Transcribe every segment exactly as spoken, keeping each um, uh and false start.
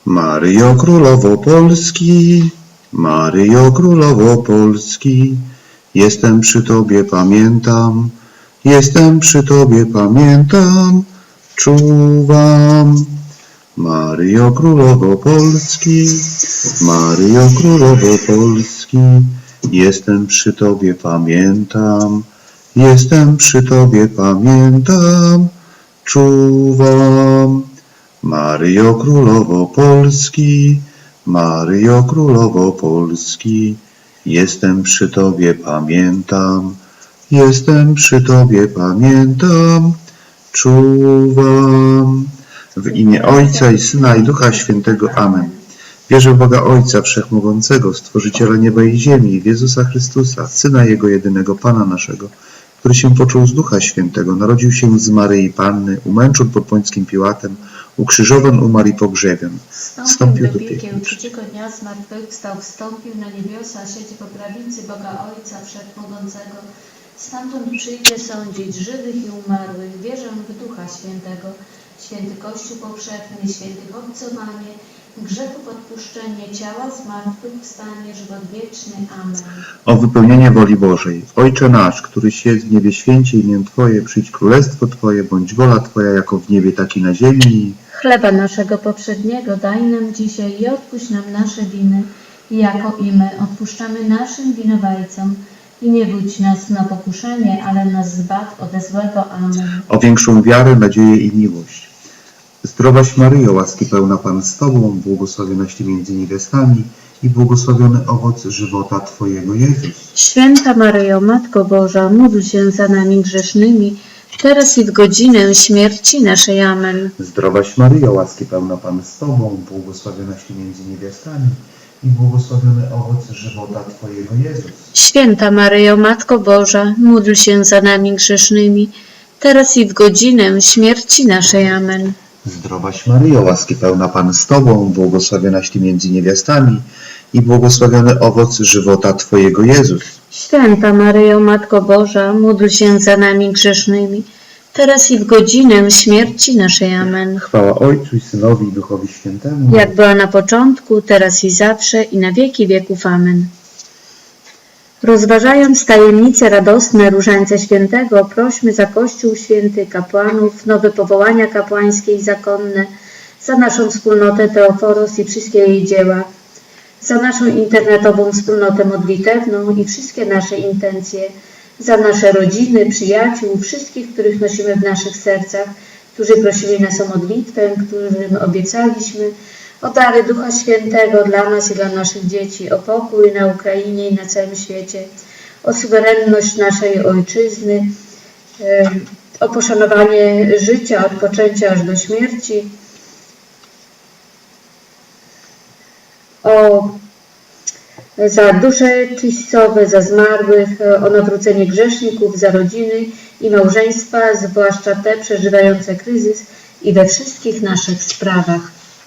Maryjo Królowo Polski, Maryjo Królowo Polski, jestem przy Tobie, pamiętam, jestem przy Tobie, pamiętam, czuwam. Maryjo Królowo Polski, Maryjo Królowo Polski, jestem przy Tobie, pamiętam, jestem przy Tobie, pamiętam, czuwam. Maryjo Królowo Polski, Maryjo Królowo Polski, jestem przy Tobie, pamiętam, jestem przy Tobie, pamiętam, czuwam. W imię Ojca i Syna i Ducha Świętego. Amen. Wierzę w Boga Ojca Wszechmogącego, Stworzyciela nieba i ziemi, w Jezusa Chrystusa, Syna Jego jedynego, Pana naszego, który się począł z Ducha Świętego, narodził się z Maryi Panny, umęczon pod Pońskim Piłatem, ukrzyżowan, umarł i pogrzebion. Wstąpił do piekieł, trzeciego dnia zmartwychwstał, wstąpił na niebiosa, siedzi po prawicy Boga Ojca Wszechmogącego. Stamtąd przyjdzie sądzić żywych i umarłych. Wierzę w Ducha Świętego, święty Kościół powszechny, świętych obcowanie, grzechów odpuszczenie, ciała zmartwychwstanie, żywot wieczny. Amen. O wypełnienie woli Bożej. Ojcze nasz, któryś jest w niebie, święcie imię Twoje, przyjdź królestwo Twoje, bądź wola Twoja, jako w niebie, tak i na ziemi. Chleba naszego poprzedniego daj nam dzisiaj i odpuść nam nasze winy, jako i my odpuszczamy naszym winowajcom. I nie wódź nas na pokuszenie, ale nas zbaw ode złego. Amen. O większą wiarę, nadzieję i miłość. Zdrowaś Maryjo, łaski pełna Pan z Tobą, błogosławionaś Ty między niewiastami i błogosławiony owoc żywota Twojego, Jezus. Święta Maryjo, Matko Boża, módl się za nami grzesznymi, teraz i w godzinę śmierci naszej. Amen. Zdrowaś Maryjo, łaski pełna Pan z Tobą, błogosławionaś Ty między niewiastami i błogosławiony owoc żywota Twojego, Jezus. Święta Maryjo, Matko Boża, módl się za nami grzesznymi, teraz i w godzinę śmierci naszej. Amen. Zdrowaś Maryjo, łaski pełna Pan z Tobą, błogosławionaś Ty między niewiastami i błogosławiony owoc żywota Twojego, Jezus. Święta Maryjo, Matko Boża, módl się za nami grzesznymi, teraz i w godzinę śmierci naszej. Amen. Chwała Ojcu i Synowi i Duchowi Świętemu. Jak była na początku, teraz i zawsze, i na wieki wieków. Amen. Rozważając tajemnice radosne Różańca Świętego, prośmy za Kościół Święty, kapłanów, nowe powołania kapłańskie i zakonne, za naszą wspólnotę Teoforos i wszystkie jej dzieła, za naszą internetową wspólnotę modlitewną i wszystkie nasze intencje, za nasze rodziny, przyjaciół, wszystkich, których nosimy w naszych sercach, którzy prosili nas o modlitwę, którym obiecaliśmy, o dary Ducha Świętego dla nas i dla naszych dzieci, o pokój na Ukrainie i na całym świecie, o suwerenność naszej Ojczyzny, o poszanowanie życia od poczęcia aż do śmierci, o za dusze czyścowe, za zmarłych, o nawrócenie grzeszników, za rodziny i małżeństwa, zwłaszcza te przeżywające kryzys, i we wszystkich naszych sprawach.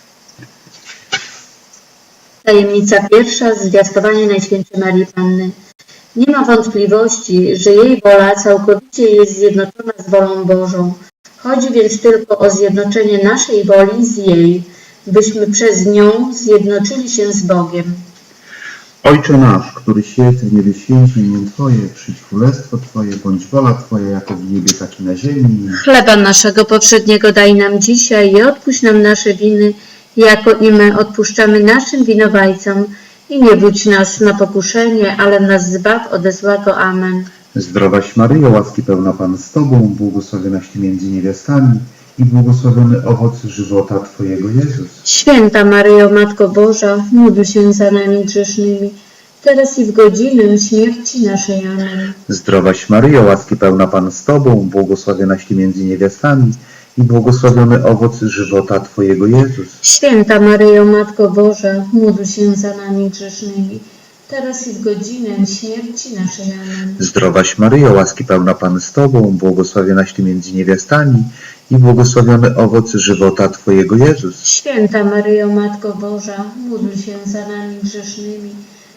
Tajemnica pierwsza, zwiastowanie Najświętszej Marii Panny. Nie ma wątpliwości, że jej wola całkowicie jest zjednoczona z wolą Bożą. Chodzi więc tylko o zjednoczenie naszej woli z jej, byśmy przez nią zjednoczyli się z Bogiem. Ojcze nasz, któryś jest w niebie, święcie imię Twoje, przyjdź królestwo Twoje, bądź wola Twoja, jako w niebie, tak i na ziemi. Chleba naszego poprzedniego daj nam dzisiaj i odpuść nam nasze winy, jako i my odpuszczamy naszym winowajcom. I nie wódź nas na pokuszenie, ale nas zbaw ode złego. Amen. Zdrowaś Maryjo, łaski pełna Pan z Tobą, błogosławionaś Ty między niewiastami i błogosławiony owoc żywota Twojego, Jezus. Święta Maryjo, Matko Boża, módl się za nami grzesznymi, teraz i w godzinę śmierci naszej. Amen. Zdrowaś Maryjo, łaski pełna Pan z Tobą, błogosławionaś Ty między niewiastami i błogosławiony owoc żywota Twojego, Jezus. Święta Maryjo, Matko Boża, módl się za nami grzesznymi, teraz i w godzinę śmierci naszej. Amen. Zdrowaś Maryjo, łaski pełna Pan z Tobą, błogosławionaś Ty między niewiastami i błogosławiony owoc żywota Twojego, Jezus. Święta Maryjo, Matko Boża, módl się za nami grzesznymi,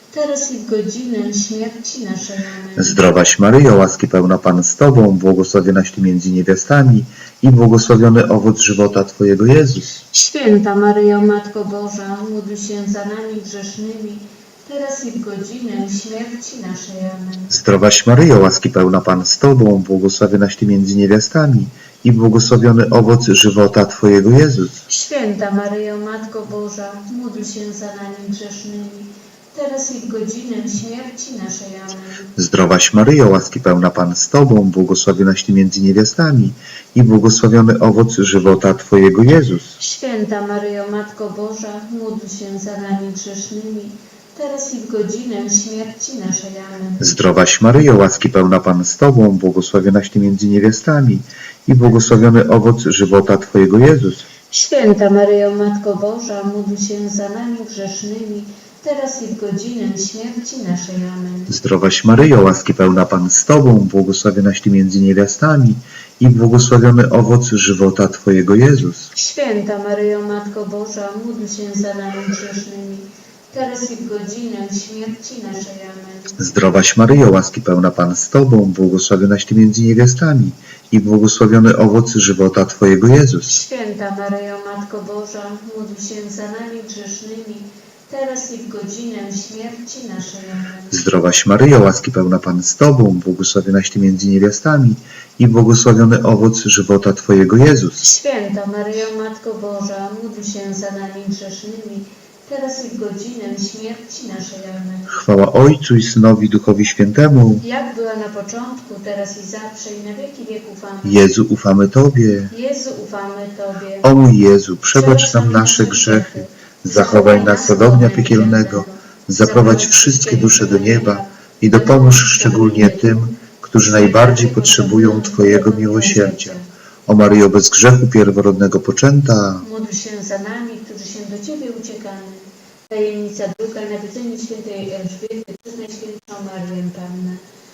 teraz i w godzinę śmierci naszej. Amen. Zdrowaś Maryjo, łaski pełna Pan z Tobą, błogosławionaś Ty między niewiastami i błogosławiony owoc żywota Twojego Jezus. Święta Maryjo, Matko Boża, módl się za nami grzesznymi, teraz i w godzinę śmierci naszej. Amen. Zdrowaś Maryjo, łaski pełna Pan z Tobą, błogosławionaś Ty między niewiastami i błogosławiony owoc żywota Twojego Jezus. Święta Maryjo, Matko Boża, módl się za nami grzesznymi, teraz i w godzinę śmierci naszej. Amen. Zdrowaś Maryjo, łaski pełna Pan z Tobą, błogosławionaś Ty między niewiastami i błogosławiony owoc żywota Twojego Jezus. Święta Maryjo, Matko Boża, módl się za nami grzesznymi, teraz i w godzinę śmierci naszej. Amen. Zdrowaś Maryjo, łaski pełna Pan z Tobą, błogosławionaś Ty między niewiastami i błogosławiony owoc żywota Twojego Jezus. Święta Maryjo, Matko Boża, módl się za nami grzesznymi, teraz i w godzinę śmierci naszej. Amen. Zdrowaś Maryjo, łaski pełna Pan z Tobą, błogosławionaś Ty między niewiastami i błogosławiony owoc żywota Twojego Jezus. Święta Maryjo, Matko Boża, módl się za nami grzesznymi, teraz i w godzinę śmierci naszej. Amen. Zdrowaś Maryjo, łaski pełna Pan z Tobą, błogosławionaś Ty między niewiastami i błogosławiony owoc żywota Twojego Jezus. Święta Maryjo, Matko Boża, módl się za nami grzesznymi, teraz i w godzinę śmierci naszej. Amen. Zdrowaś Maryjo, łaski pełna Pan z Tobą, błogosławionaś Ty między niewiastami i błogosławiony owoc żywota Twojego Jezus. Święta Maryjo, Matko Boża, módl się za nami grzesznymi, teraz i w godzinę śmierci naszej. Amen. Chwała Ojcu i Synowi, Duchowi Świętemu. Jak była na początku, teraz i zawsze, i na wieki wieków. Amen. Jezu, ufamy Tobie. Jezu, ufamy Tobie. O mój Jezu, przebacz nam nasze grzechy, zachowaj nas od ognia piekielnego, zaprowadź wszystkie dusze do nieba i dopomóż szczególnie tym, którzy najbardziej potrzebują Twojego miłosierdzia. O Maryjo, bez grzechu pierworodnego poczęta, Módl się za nami, którzy się do Ciebie uciekamy. Tajemnica druga, nawiedzenie świętej Elżbiety przez Najświętszą Marię Pannę.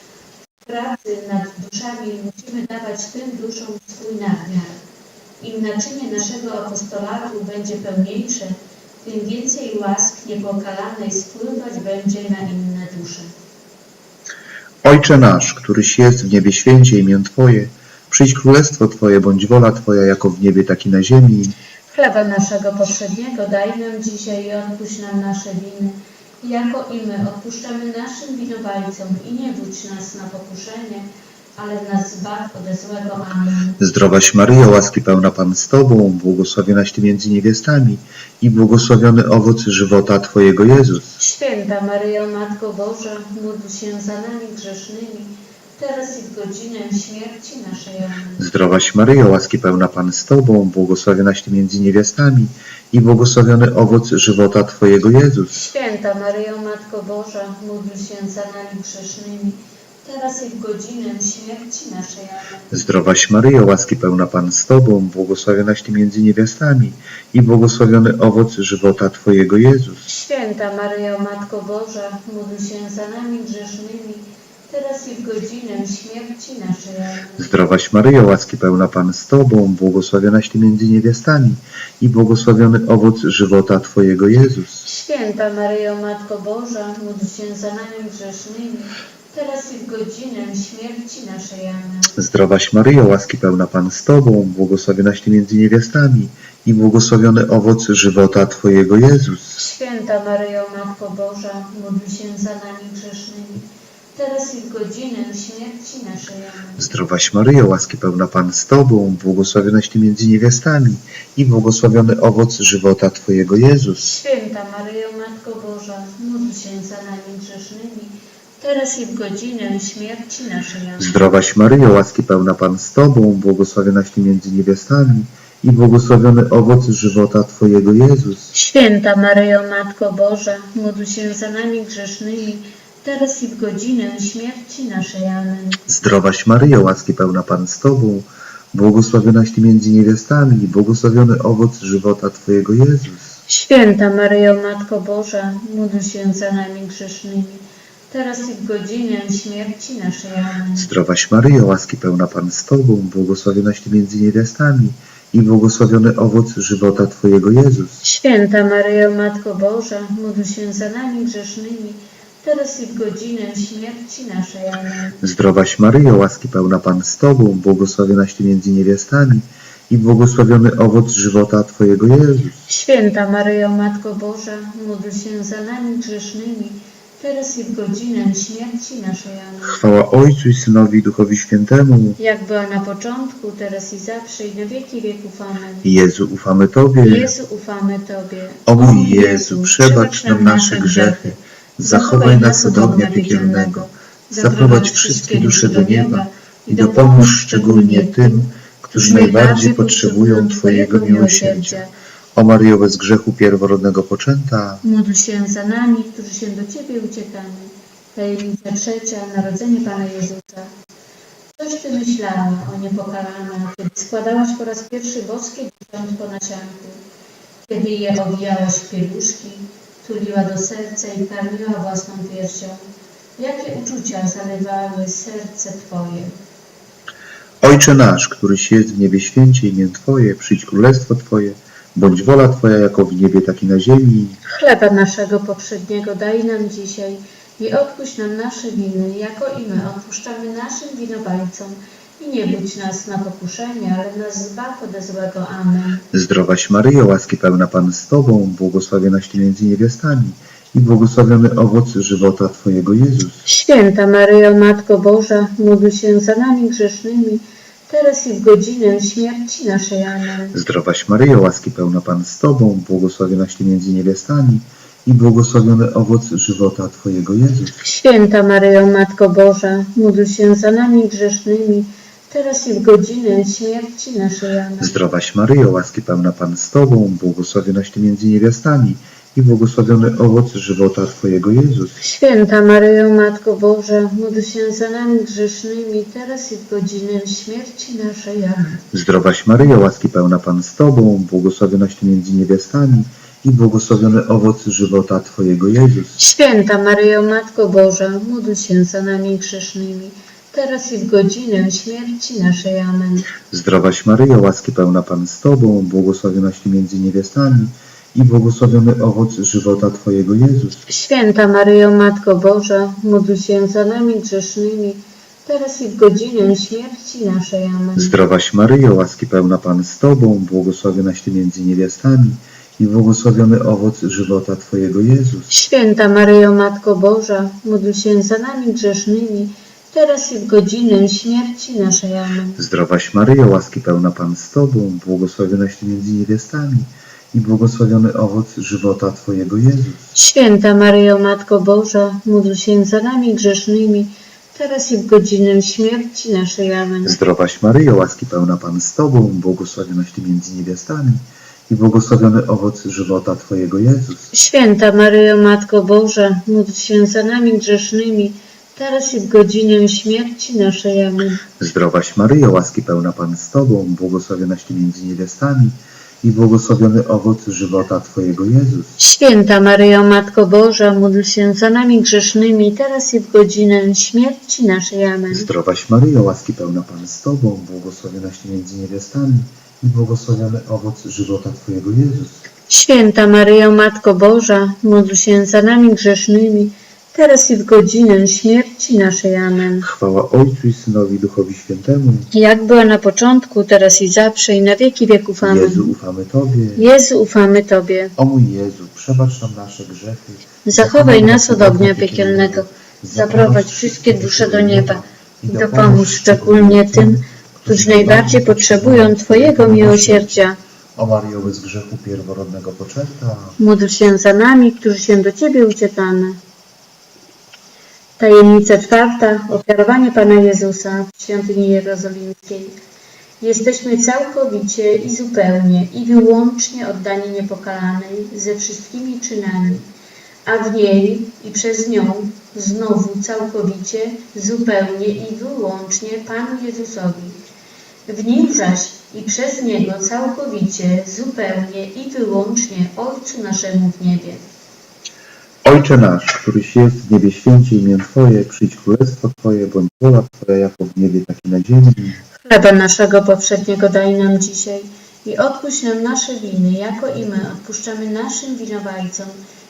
W pracy nad duszami musimy dawać tym duszom swój nadmiar. Im naczynie naszego apostolatu będzie pełniejsze, tym więcej łask niepokalanej spływać będzie na inne dusze. Ojcze nasz, któryś jest w niebie, święcie imię Twoje, przyjdź królestwo Twoje, bądź wola Twoja jako w niebie, tak i na ziemi. Chleba naszego powszedniego daj nam dzisiaj i odpuść nam nasze winy, jako i my odpuszczamy naszym winowajcom i nie wódź nas na pokuszenie, ale nas zbaw ode złego. Amen. Zdrowaś Maryjo, łaski pełna Pan z Tobą, błogosławionaś Ty między niewiastami i błogosławiony owoc żywota Twojego Jezus. Święta Maryjo, Matko Boża, módl się za nami grzesznymi, teraz i w godzinę śmierci naszej. Amen. Zdrowaś Maryjo, łaski pełna Pan z Tobą, błogosławionaś Ty między niewiastami i błogosławiony owoc żywota Twojego Jezus. Święta Maryjo, Matko Boża, módl się za nami grzesznymi, teraz i w godzinę śmierci naszej. Amen. Zdrowaś Maryjo, łaski pełna Pan z Tobą, błogosławionaś Ty między niewiastami i błogosławiony owoc żywota Twojego Jezus. Święta Maryjo, Matko Boża, módl się za nami grzesznymi, teraz i w godzinę śmierci naszej. Amen. Zdrowaś Maryjo, łaski pełna Pan z Tobą, błogosławionaś Ty między niewiastami i błogosławiony owoc żywota Twojego Jezus. Święta Maryjo, Matko Boża, módl się za nami grzesznymi, teraz i w godzinę śmierci naszej. Amen. Zdrowaś Maryjo, łaski pełna Pan z Tobą, błogosławionaś Ty między niewiastami i błogosławiony owoc żywota Twojego Jezus. Święta Maryjo, Matko Boża, módl się za nami grzesznymi, teraz i w godzinę śmierci naszej. Amen. Zdrowaś Maryjo, łaski pełna Pan z Tobą, błogosławionaś Ty między niewiastami i błogosławiony owoc żywota Twojego Jezus. Święta Maryjo, Matko Boża, módl się za nami grzesznymi, teraz i w godzinę śmierci naszej. Amen. Zdrowaś Maryjo, łaski pełna Pan z Tobą, błogosławionaś Ty między niewiastami i błogosławiony owoc żywota Twojego Jezus. Święta Maryjo, Matko Boża, módl się za nami grzesznymi, teraz i w godzinę śmierci naszej. Amen. Zdrowaś Maryjo, łaski pełna Pan z Tobą, błogosławionaś Ty między niewiastami i błogosławiony owoc żywota Twojego Jezus. Święta Maryjo, Matko Boża, módl się za nami grzesznymi, teraz i w godzinę śmierci naszej. Amen. Zdrowaś Maryjo, łaski pełna Pan z Tobą, błogosławionaś Ty między niewiastami i błogosławiony owoc żywota Twojego Jezus. Święta Maryjo, Matko Boża, módl się za nami grzesznymi, teraz i w godzinę śmierci naszej. Amen. Zdrowaś Maryjo, łaski pełna Pan z Tobą, błogosławionaś Ty między niewiastami i błogosławiony owoc żywota Twojego Jezus. Święta Maryjo, Matko Boża, módl się za nami grzesznymi, teraz i w godzinę śmierci naszej. Amen. Chwała Ojcu i Synowi i Duchowi Świętemu. Jak była na początku, teraz i zawsze, i na wieki wieków. Amen. Jezu, ufamy Tobie. Jezu, ufamy Tobie. O mój Jezu, przebacz nam nasze grzechy, zachowaj nas od ognia piekielnego, zaprowadź wszystkie dusze do nieba i dopomóż szczególnie tym, którzy najbardziej potrzebują Twojego miłosierdzia. O Maryjo, bez grzechu pierworodnego poczęta, Módl się za nami, którzy się do Ciebie uciekamy. Tajemnica trzecia, narodzenie Pana Jezusa. Coś Ty myślała, o niepokalana, kiedy składałaś po raz pierwszy boskie dzieciątko na sianku, kiedy je owijałaś w pieluszki, tuliła do serca i karmiła własną piersią. Jakie uczucia zalewały serce Twoje? Ojcze nasz, któryś jest w niebie, święcie imię Twoje, przyjdź królestwo Twoje, bądź wola Twoja jako w niebie, tak i na ziemi. Chleba naszego poprzedniego daj nam dzisiaj i odpuść nam nasze winy, jako i my odpuszczamy naszym winowajcom. I nie budź nas na pokuszenie, ale nas zbaw ode złego. Amen. Zdrowaś Maryjo, łaski pełna Pan z Tobą, błogosławionaś Ty między niewiastami i błogosławiony owoc żywota Twojego Jezus. Święta Maryjo, Matko Boża, módl się za nami grzesznymi, teraz i w godzinę śmierci naszej. Amen. Zdrowaś Maryjo, łaski pełna Pan z Tobą, błogosławionaś Ty między niewiastami i błogosławiony owoc żywota Twojego Jezus. Święta Maryjo, Matko Boża, módl się za nami grzesznymi, teraz i w godzinę śmierci naszej. Amen. Zdrowaś Maryjo, łaski pełna Pan z Tobą, błogosławionaś Ty między niewiastami i błogosławiony owoc żywota Twojego Jezus. Święta Maryjo, Matko Boża, módl się za nami grzesznymi, teraz i w godzinę śmierci naszej. Amen. Zdrowaś Maryjo, łaski pełna Pan z Tobą, błogosławionaś Ty między niewiastami i błogosławiony owoc żywota Twojego Jezus. Święta Maryjo, Matko Boża, módl się za nami grzesznymi, teraz i w godzinę śmierci naszej. Amen. Zdrowaś Maryjo, łaski pełna Pan z Tobą, błogosławionaś Ty między niewiastami i błogosławiony owoc żywota Twojego Jezus. Święta Maryjo, Matko Boża, módl się za nami grzesznymi, teraz i w godzinę śmierci naszej. Amen. Zdrowaś Maryjo, łaski pełna Pan z Tobą, błogosławionaś Ty między niewiastami i błogosławiony owoc żywota Twojego Jezus. Święta Maryjo, Matko Boża, módl się za nami grzesznymi, teraz i w godzinę śmierci naszej. Amen. Zdrowaś Maryjo, łaski pełna Pan z Tobą, błogosławionaś Ty między niewiastami i błogosławiony owoc żywota Twojego Jezus. Święta Maryjo, Matko Boża, módl się za nami grzesznymi, teraz i w godzinę śmierci naszej. Amen. Zdrowaś Maryjo, łaski pełna Pan z Tobą, błogosławionaś Ty między niewiastami i błogosławiony owoc żywota Twojego Jezus. Święta Maryjo, Matko Boża, módl się za nami grzesznymi, teraz i w godzinę śmierci naszej. Amen. Zdrowaś Maryjo, łaski pełna Pan z Tobą, błogosławionaś Ty między niewiastami i błogosławiony owoc żywota Twojego Jezus. Święta Maryjo, Matko Boża, módl się za nami grzesznymi, teraz i w godzinę śmierci naszej. Amen. Zdrowaś Maryjo, łaski pełna Pan z Tobą, błogosławionaś Ty między niewiastami i błogosławiony owoc żywota Twojego Jezus. Święta Maryjo, Matko Boża, módl się za nami grzesznymi, teraz i w godzinę śmierci naszej. Amen. Chwała Ojcu i Synowi i Duchowi Świętemu. Jak była na początku, teraz i zawsze, i na wieki wieków. Amen. Jezu, ufamy Tobie. Jezu, ufamy Tobie. O mój Jezu, przebacz nam nasze grzechy. Zachowaj nas od ognia piekielnego. Zaprowadź wszystkie dusze do nieba i dopomóż szczególnie tym, którzy najbardziej potrzebują Twojego miłosierdzia. O Maryjo, bez grzechu pierworodnego poczęta. Módl się za nami, którzy się do Ciebie uciekamy. Tajemnica czwarta. Ofiarowanie Pana Jezusa w świątyni jerozolimskiej. Jesteśmy całkowicie i zupełnie i wyłącznie oddani niepokalanej ze wszystkimi czynami, a w niej i przez nią znowu całkowicie, zupełnie i wyłącznie Panu Jezusowi. W nim zaś i przez Niego całkowicie, zupełnie i wyłącznie Ojcu naszemu w niebie. Ojcze nasz, któryś jest w niebie, święcie imię Twoje, przyjdź królestwo Twoje, bądź wola Twoja jako w niebie, tak i na ziemi. Chleba naszego poprzedniego daj nam dzisiaj i odpuść nam nasze winy, jako i my odpuszczamy naszym winowajcom.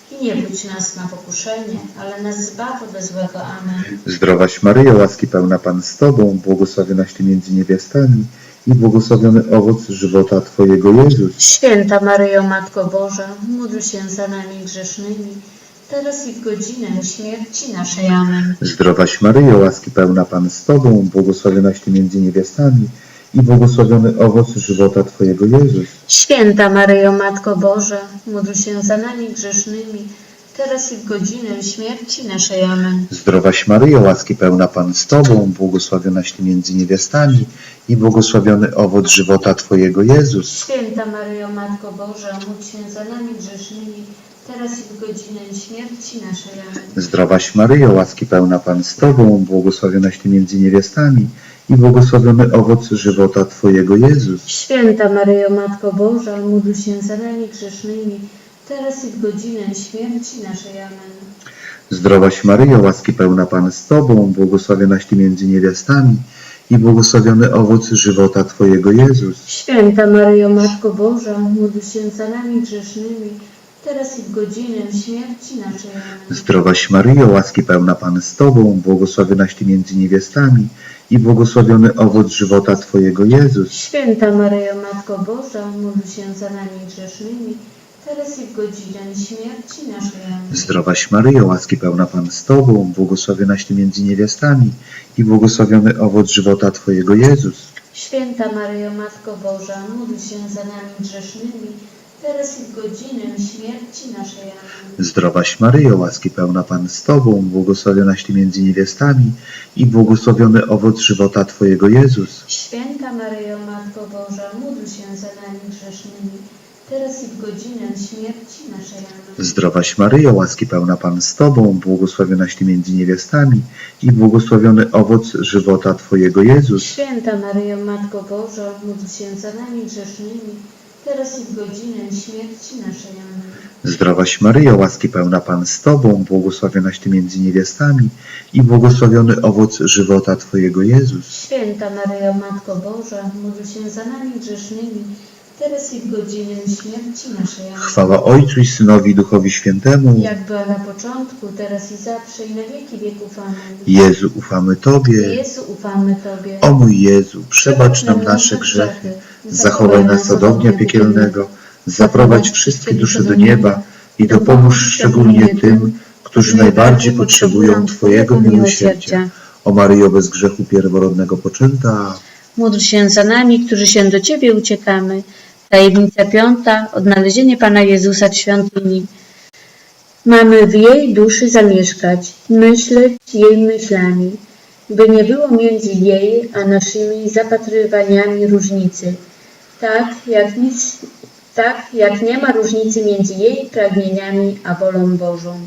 i nie budź nas na pokuszenie, ale nas zbaw ode złego. Amen. Zdrowaś Maryjo, łaski pełna Pan z Tobą, błogosławionaś Ty między niewiastami i błogosławiony owoc żywota Twojego Jezus. Święta Maryjo, Matko Boża, módl się za nami grzesznymi, teraz i w godzinę śmierci naszej. Amen. Zdrowaś Maryjo, łaski pełna Pan z Tobą, błogosławionaś Ty między niewiastami i błogosławiony owoc żywota Twojego Jezus. Święta Maryjo, Matko Boża, módl się za nami grzesznymi, teraz i w godzinę śmierci naszej. Amen. Zdrowaś Maryjo, łaski pełna Pan z Tobą, błogosławionaś Ty między niewiastami i błogosławiony owoc żywota Twojego Jezus. Święta Maryjo, Matko Boża, módl się za nami grzesznymi, teraz i w godzinę śmierci naszej. Amen. Zdrowaś Maryjo, łaski pełna Pan z Tobą, błogosławionaś Ty między niewiastami i błogosławiony owoc żywota Twojego Jezus. Święta Maryjo, Matko Boża, módl się za nami grzesznymi, teraz i w godzinę śmierci naszej. Amen. Zdrowaś Maryjo, łaski pełna Pan z Tobą, błogosławionaś Ty między niewiastami i błogosławiony owoc żywota Twojego Jezus. Święta Maryjo, Matko Boża, módl się za nami grzesznymi, teraz i w godzinę śmierci naszej. Amen. Zdrowaś Maryjo, łaski pełna Pan z Tobą, błogosławionaś Ty między niewiastami i błogosławiony owoc żywota Twojego Jezus. Święta Maryjo, Matko Boża, módl się za nami grzesznymi, teraz i w godzinę śmierci naszej. Amen. Zdrowaś Maryjo, łaski pełna Pan z Tobą, błogosławionaś Ty między niewiastami i błogosławiony owoc żywota Twojego Jezus. Święta Maryjo, Matko Boża, módl się za nami grzesznymi, teraz i w godzinę śmierci naszej. Amen. Zdrowaś Maryjo, łaski pełna Pan z Tobą, błogosławionaś Ty między niewiastami i błogosławiony owoc żywota Twojego Jezus. Święta Maryjo, Matko Boża, módl się za nami grzesznymi, teraz i w godzinę śmierci naszej. Amen. Zdrowaś Maryjo, łaski pełna Pan z Tobą, błogosławionaś Ty między niewiastami i błogosławiony owoc żywota Twojego Jezus. Święta Maryjo, Matko Boża, módl się za nami grzesznymi, teraz i w godzinę śmierci naszej. Amen. Zdrowaś Maryjo, łaski pełna Pan z Tobą, błogosławionaś Ty między niewiastami i błogosławiony owoc żywota Twojego Jezus. Święta Maryjo, Matko Boża, módl się za nami grzesznymi, teraz i w godzinę śmierci naszej. Amen. Chwała Ojcu i Synowi i Duchowi Świętemu. Jak była na początku, teraz i zawsze, i na wieki wieków. Amen. Jezu, ufamy Tobie. Jezu, ufamy Tobie. O mój Jezu, przebacz nam nasze grzechy, zachowaj nas od ognia piekielnego, zaprowadź wszystkie dusze do nieba i dopomóż szczególnie tym, którzy najbardziej potrzebują Twojego miłosierdzia. O Maryjo, bez grzechu pierworodnego poczęta. Módl się za nami, którzy się do Ciebie uciekamy. Tajemnica piąta, odnalezienie Pana Jezusa w świątyni. Mamy w jej duszy zamieszkać, myśleć jej myślami, by nie było między jej a naszymi zapatrywaniami różnicy. Tak jak, nic, tak jak nie ma różnicy między jej pragnieniami a wolą Bożą.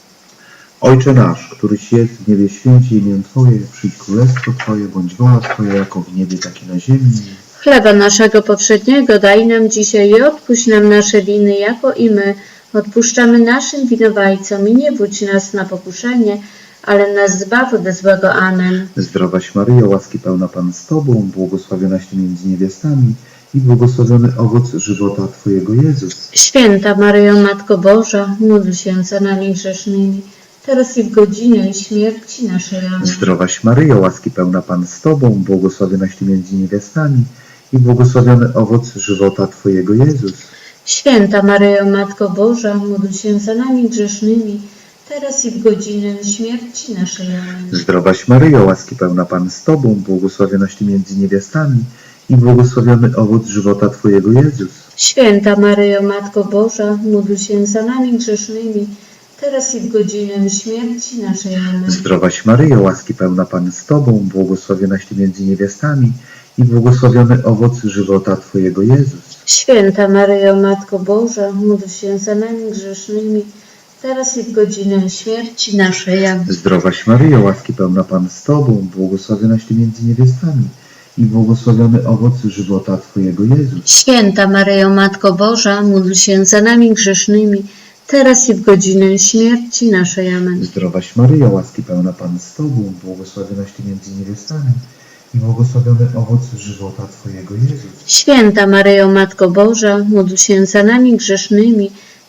Ojcze nasz, któryś jest w niebie, święci imię Twoje, przyjdź królestwo Twoje, bądź wola Twoja, jako w niebie, tak i na ziemi. Chleba naszego powszedniego daj nam dzisiaj i odpuść nam nasze winy, jako i my odpuszczamy naszym winowajcom, i nie wódź nas na pokuszenie, ale nas zbaw ode złego. Amen. Zdrowaś Maryjo, łaski pełna Pan z Tobą, błogosławionaś Ty między niewiastami i błogosławiony owoc żywota Twojego Jezus. Święta Maryjo, Matko Boża, módl się za nami grzesznymi, teraz i w godzinę śmierci naszej. Amen. Zdrowaś Maryjo, łaski pełna Pan z Tobą, błogosławionaś Ty między niewiastami i błogosławiony owoc żywota Twojego Jezus. Święta Maryjo, Matko Boża, módl się za nami grzesznymi, teraz i w godzinę śmierci naszej. Amen. Zdrowaś Maryjo, łaski pełna Pan z Tobą, błogosławionaś Ty między niewiastami i błogosławiony owoc żywota Twojego Jezus. Święta Maryjo, Matko Boża, módl się za nami grzesznymi, teraz i w godzinę śmierci naszej. Amen. Zdrowaś Maryjo, łaski pełna Pan z Tobą, błogosławionaś Ty między niewiastami i błogosławiony owoc żywota Twojego Jezus. Święta Maryjo, Matko Boża, módl się za nami grzesznymi, teraz i w godzinę śmierci naszej. Amen. Zdrowaś Maryjo, łaski pełna Pan z Tobą, błogosławionaś Ty między niewiastami i błogosławiony owoc żywota Twojego Jezus. Święta Maryjo, Matko Boża, módl się za nami grzesznymi, teraz i w godzinę śmierci naszej. Amen. Zdrowaś Maryjo, łaski pełna Pan z Tobą, błogosławionaś Ty między niewiastami i błogosławiony owoc żywota Twojego Jezus. Święta Maryjo, Matko Boża, módl się za nami grzesznymi,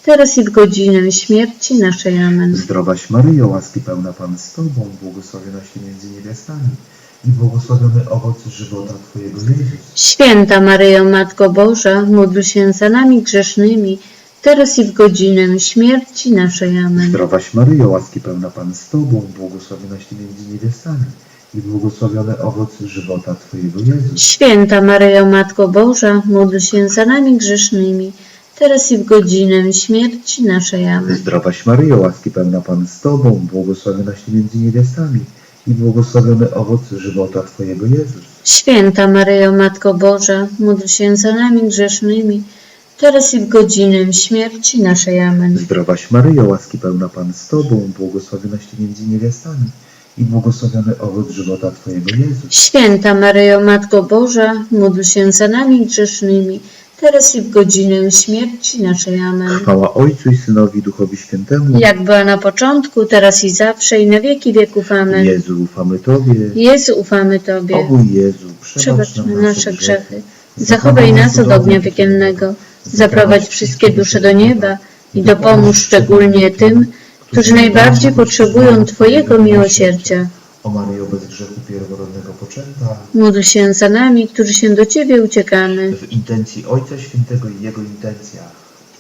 teraz i w godzinę śmierci naszej. Amen. Zdrowaś Maryjo, łaski pełna Pan z Tobą, błogosławionaś Ty między niewiastami i błogosławiony owoc żywota Twojego Jezus. Święta Maryjo, Matko Boża, módl się za nami grzesznymi, teraz i w godzinę śmierci naszej. Amen. Zdrowaś Maryjo, łaski pełna Pan z Tobą, błogosławionaś Ty między niewiastami i błogosławiony owoc żywota Twojego Jezus. Święta Maryjo, Matko Boża, módl się za nami grzesznymi, teraz i w godzinę śmierci naszej. Amen. Zdrowaś Maryjo, łaski pełna Pan z Tobą, błogosławionaś Ty między niewiastami i błogosławiony owoc żywota Twojego Jezus. Święta Maryjo, Matko Boża, módl się za nami grzesznymi, teraz i w godzinę śmierci naszej. Amen. Zdrowaś Maryjo, łaski pełna Pan z Tobą, błogosławionaś Ty między niewiastami i błogosławiony owoc żywota Twojego Jezus. Święta Maryjo, Matko Boża, módl się za nami grzesznymi, teraz i w godzinę śmierci naszej. Amen. Chwała Ojcu i Synowi i Duchowi Świętemu. Jak była na początku, teraz i zawsze, i na wieki wieków. Amen. Jezu, ufamy Tobie. Jezu, ufamy Tobie. O mój Jezu, przebacz Przebacz nam nam nasze grzechy. Zachowaj nas od ognia piekielnego. Zaprowadź wszystkie dusze do nieba i dopomóż szczególnie tym, którzy najbardziej potrzebują Twojego miłosierdzia. O Maryjo, bez grzechu pierworodnego poczęta, Módl się za nami, którzy się do Ciebie uciekamy. w intencji Ojca Świętego i Jego intencjach.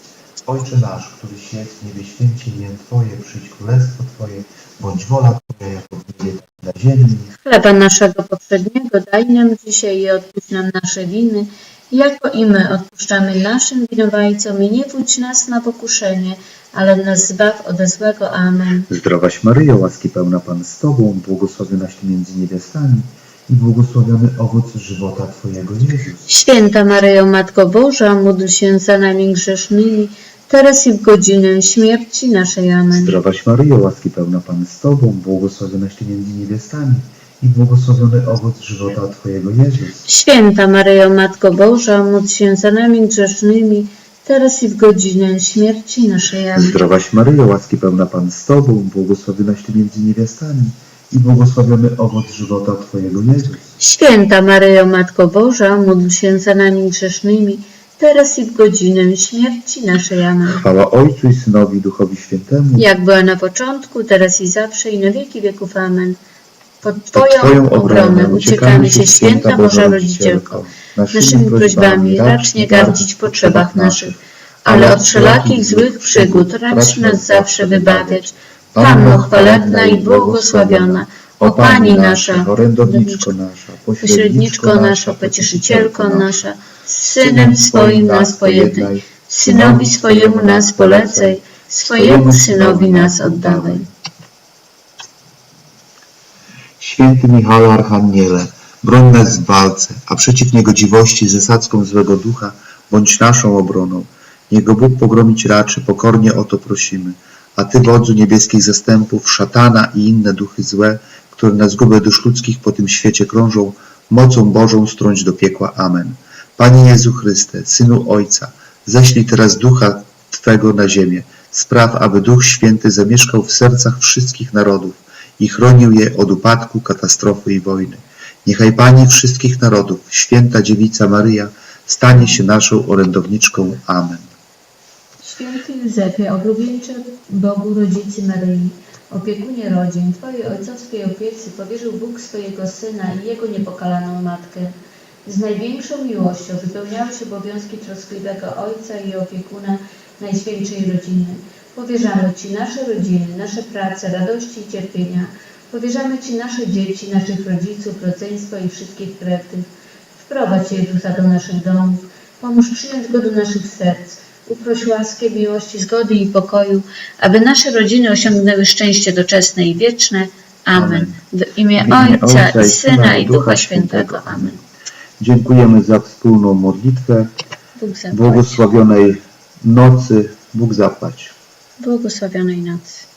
Ojcze nasz, któryś jest w niebie, święci imię Twoje, przyjdź królestwo Twoje, bądź wola Twoja jako w niebie, tak na ziemi. Chleba naszego poprzedniego daj nam dzisiaj i odpuść nam nasze winy, jako i my odpuszczamy naszym winowajcom, i nie wódź nas na pokuszenie, ale nas zbaw ode złego. Amen. Zdrowaś Maryjo, łaski pełna Pan z Tobą, błogosławionaś Ty między niewiastami i błogosławiony owoc żywota Twojego Jezus. Święta Maryjo, Matko Boża, módl się za nami grzesznymi, teraz i w godzinę śmierci naszej. Amen. Zdrowaś Maryjo, łaski pełna Pan z Tobą, błogosławionaś Ty między niewiastami i błogosławiony owoc żywota Twojego Jezus. Święta Maryjo, Matko Boża, módl się za nami grzesznymi, teraz i w godzinę śmierci naszej. Amen. Zdrowaś Maryjo, łaski pełna Pan z Tobą, błogosławionaś Ty między niewiastami i błogosławiony owoc żywota Twojego Jezus. Święta Maryjo, Matko Boża, módl się za nami grzesznymi, teraz i w godzinę śmierci naszej. Amen. Chwała Ojcu i Synowi i Duchowi Świętemu. Jak była na początku, teraz i zawsze, i na wieki wieków. Amen. Pod Pod Twoją Twoją obronę uciekamy się, święta Boża Rodzicielko. Naszymi prośbami racz nie gardzić w potrzebach naszych, ale od wszelakich złych przygód racz nas zawsze wybawiać. Panno chwalebna i błogosławiona, o Pani nasza, orędowniczko nasza, pośredniczko nasza, pocieszycielko nasza, z Synem swoim nas pojednaj, Synowi swojemu nas polecaj, swojemu Synowi nas oddawaj. Święty Michale Archaniele, broń nas w walce, a przeciw niegodziwości z zasadzką złego ducha bądź naszą obroną. Niech go Bóg pogromić raczy, pokornie o to prosimy. A Ty, wodzu niebieskich zastępów, szatana i inne duchy złe, które na zgubę dusz ludzkich po tym świecie krążą, mocą Bożą strąć do piekła. Amen. Panie Jezu Chryste, Synu Ojca, ześlij teraz Ducha Twego na ziemię. Spraw, aby Duch Święty zamieszkał w sercach wszystkich narodów i chronił je od upadku, katastrofy i wojny. Niechaj Pani wszystkich narodów, Święta Dziewica Maryja, stanie się naszą orędowniczką. Amen. Święty Józefie, oblubieńcze Bogu Rodzicy Maryi, opiekunie rodzin, Twojej ojcowskiej opiece powierzył Bóg swojego Syna i Jego niepokalaną Matkę. Z największą miłością wypełniałeś obowiązki troskliwego Ojca i opiekuna Najświętszej Rodziny. Powierzamy Ci nasze rodziny, nasze prace, radości i cierpienia. Powierzamy Ci nasze dzieci, naszych rodziców, rodzeństwo i wszystkich krewnych. Wprowadź Jezusa do naszych domów. Pomóż przyjąć Go do naszych serc. Uproś łaskę, miłości, zgody i pokoju, aby nasze rodziny osiągnęły szczęście doczesne i wieczne. Amen. W imię Ojca i Syna i Ducha Świętego. Amen. Dziękujemy za wspólną modlitwę. Bóg zapłać. Błogosławionej nocy. Bóg zapłać. Błogosławionej nocy.